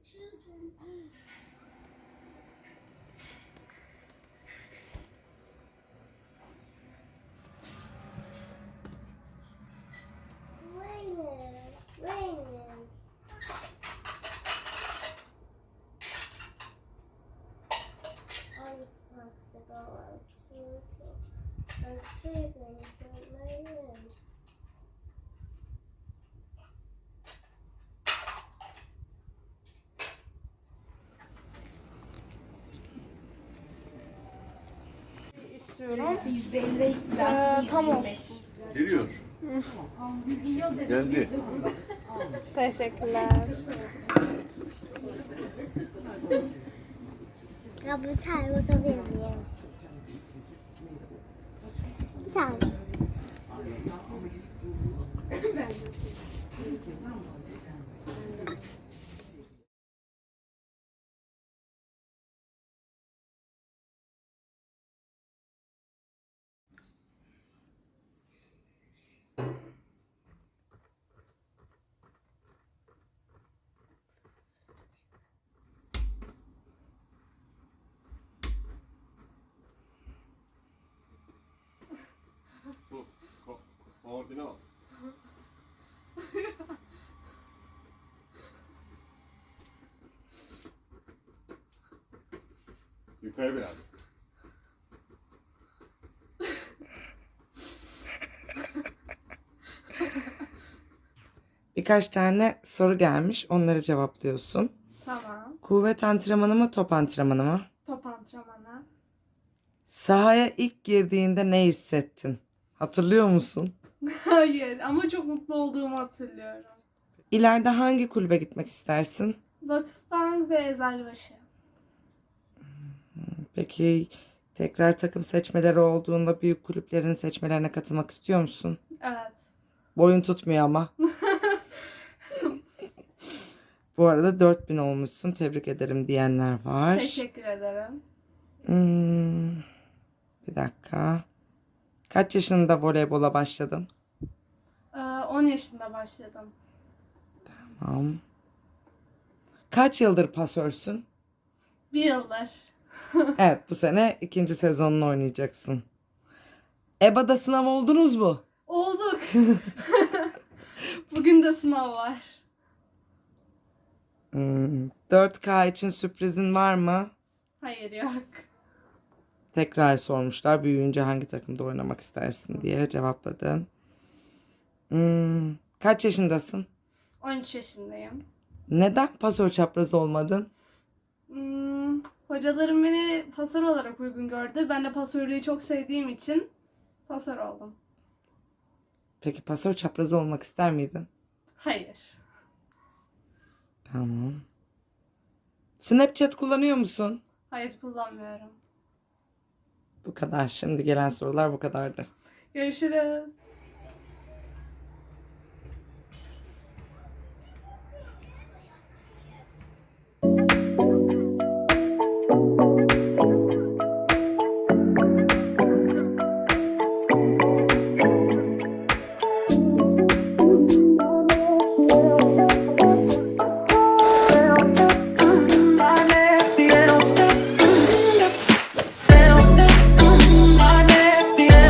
Tam olsun. Geliyor. Geldi. Teşekkürler. Ya bir tane bakabilir miyim? Bir tane. Koordinat. Yukarı biraz. Birkaç tane soru gelmiş. Onları cevaplıyorsun. Tamam. Kuvvet antrenmanı mı, top antrenmanı mı? Top antrenmanı. Sahaya ilk girdiğinde ne hissettin? Hatırlıyor musun? Hayır ama çok mutlu olduğumu hatırlıyorum. İleride hangi kulübe gitmek istersin? Vakıfbank ve Eczacıbaşı. Peki tekrar takım seçmeleri olduğunda büyük kulüplerin seçmelerine katılmak istiyor musun? Evet. Boyun tutmuyor ama. Bu arada 4000 olmuşsun. Tebrik ederim diyenler var. Teşekkür ederim. Bir dakika. Kaç yaşında voleybola başladın? 10 yaşında başladım. Tamam. Kaç yıldır pasörsün? 1 yıldır. Evet, bu sene 2. sezonunu oynayacaksın. EBA'da sınav oldunuz mu? Olduk. Bugün de sınav var. 4K için sürprizin var mı? Hayır yok. Tekrar sormuşlar. Büyüyünce hangi takımda oynamak istersin diye cevapladın. Kaç yaşındasın? 13 yaşındayım. Neden pasör çapraz olmadın? Hocalarım beni pasör olarak uygun gördü. Ben de pasörlüğü çok sevdiğim için pasör oldum. Peki pasör çapraz olmak ister miydin? Hayır. Tamam. Snapchat kullanıyor musun? Hayır kullanmıyorum. Bu kadar. Şimdi gelen sorular bu kadardı. Görüşürüz.